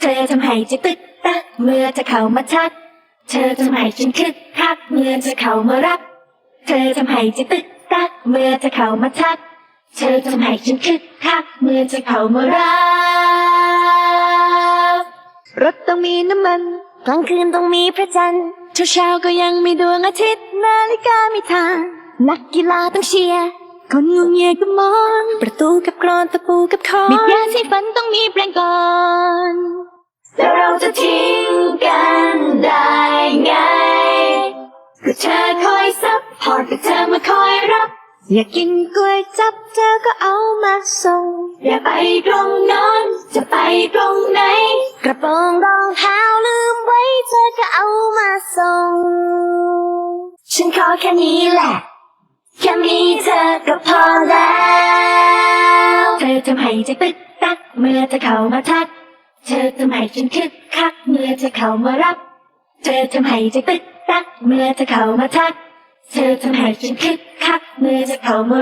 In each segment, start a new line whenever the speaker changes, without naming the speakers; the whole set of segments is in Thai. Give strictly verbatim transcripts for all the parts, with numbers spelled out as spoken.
ธอทำให้ใจตึกตักเมื่อเธอเข้ามาทักเธอทำให้ฉันคึกคักเมื่อเธอเข้ามารักเธอทำให้ใจตึกตักเมื่อเธอเข้ามาทักเธอทำให้ฉันคึกคักเมื่อเธอเข้ามารักรถต้องมีน้ำมันกลางคืนต้องมีพระจันทร์เช้าเช้าก็ยังมีดวงอาทิตย์นาฬิกาไม่ทางนักกีฬาต้องเชียร์คนงงเงียก็มองประตูกับกรอนตะปูกับคอนมียาสีฟันต้องมีแปรงก่อนแล้วเราจะทิ้งกันได้ไงก็เธอคอยซับพอร์ตก็เธอมาคอยรับอยากกินกล้วยจับเธอก็เอามาส่งอย่าไปตรงโน้นจะไปตรงไหนกระโปรงรองเท้าลืมไว้เธอก็เอามาส่งฉันขอแค่นี้แหละแค่มีเธอก็พอแล้วเธอทำให้ใจตึกตักเมื่อเธอเข้ามาทักเธอทำให้ฉันคึกคักเมื่อเธอเข้ามารับเธอทำให้ใจตึกตักเมื่อเธอเข้ามาทักเธอทำให้ฉันคึกคักเมื่อเธอเข้ามา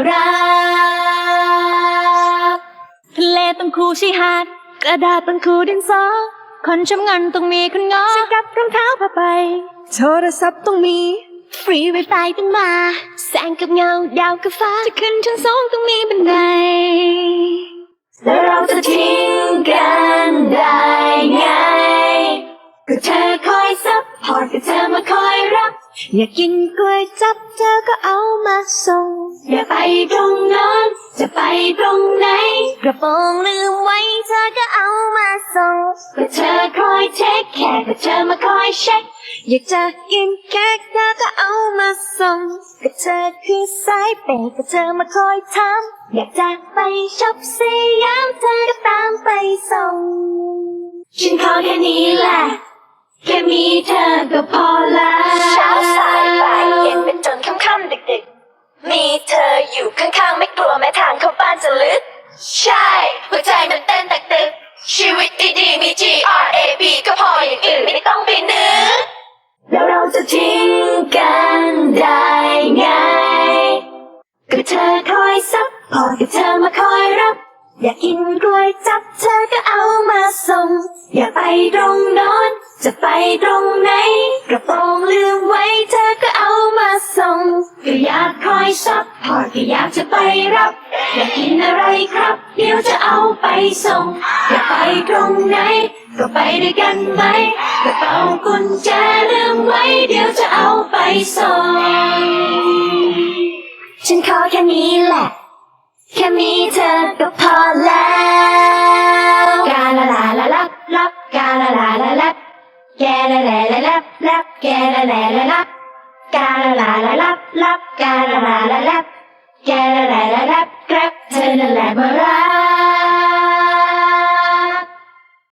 รับทะเลต้องคู่ชายหาดกระดาษต้องคู่ดินสอคนชำเงินต้องมีคนงอฉันกับรองเท้าผ้าใบโทรศัพท์ต้องมีฟรีไวไฟต้องมาแสงกับเงาดาวกับฟ้าจะขึ้นชั้นสองต้องมีบันไดแล้วเราจะทิ้งกันได้ไงก็เธอคอยซับพอร์ตก็เธอมาคอยรับอยากกินกล้วยจับเธอก็เอามาส่งอย่าไปตรงโน้นจะไปตรงไหนกระโปรงลืมไว้เธอก็เอามาส่งก็เธอคอยเช็คแค่ก็เธอมาคอยเช็คอยากจะกินเค้กเธอก็เอามาส่งก็เธอคือสายเปย์ก็เธอมาคอยถามอยากจะไปช็อปสยามเธอก็ตามไปส่งฉันขอแค่นี้แหละแค่มีเธอก็พอแล้วเช้าสายบ่ายเย็นเป็นจนค่ำๆดึกๆมีเธออยู่ข้างๆไม่กลัวแม้ทางเข้าบ้านจะลึกใช่หัวใจมันเต้นตักตึกชีวิตดีๆมี G R A B ก็พออย่างอื่นไม่ต้องไปนึกแล้วเราจะทิ้งกันได้ไงก็เธอคอยซับพอร์ตก็เธอมาคอยรับอยากกินกล้วยจับเธอก็เอามาส่งอย่าไปตรงโน้นจะไปตรงไหนกระโปรงลืมไว้เธอก็เอามาส่งก็อยากคอยซับพอร์ตก็อยากจะไปรับอยากกินอะไรครับเดี๋ยวจะเอาไปส่งอย่าไปตรงไหนก็ไปด้วยกันไหมกระเป๋ากุญแจลืมไว้เดี๋ยวจะเอาไปส่งฉันขอแค่นี้แหละแค่มีเธอก็พอแล้วกาลาลาลาลับลับกาลาลาลาลับแกลาลาลาลับลับแกลาลาลาลับกาลาลาลาลับลับกาลาลาลาลับแกลาลาลาลับครับเธอนั่นแหละมารัก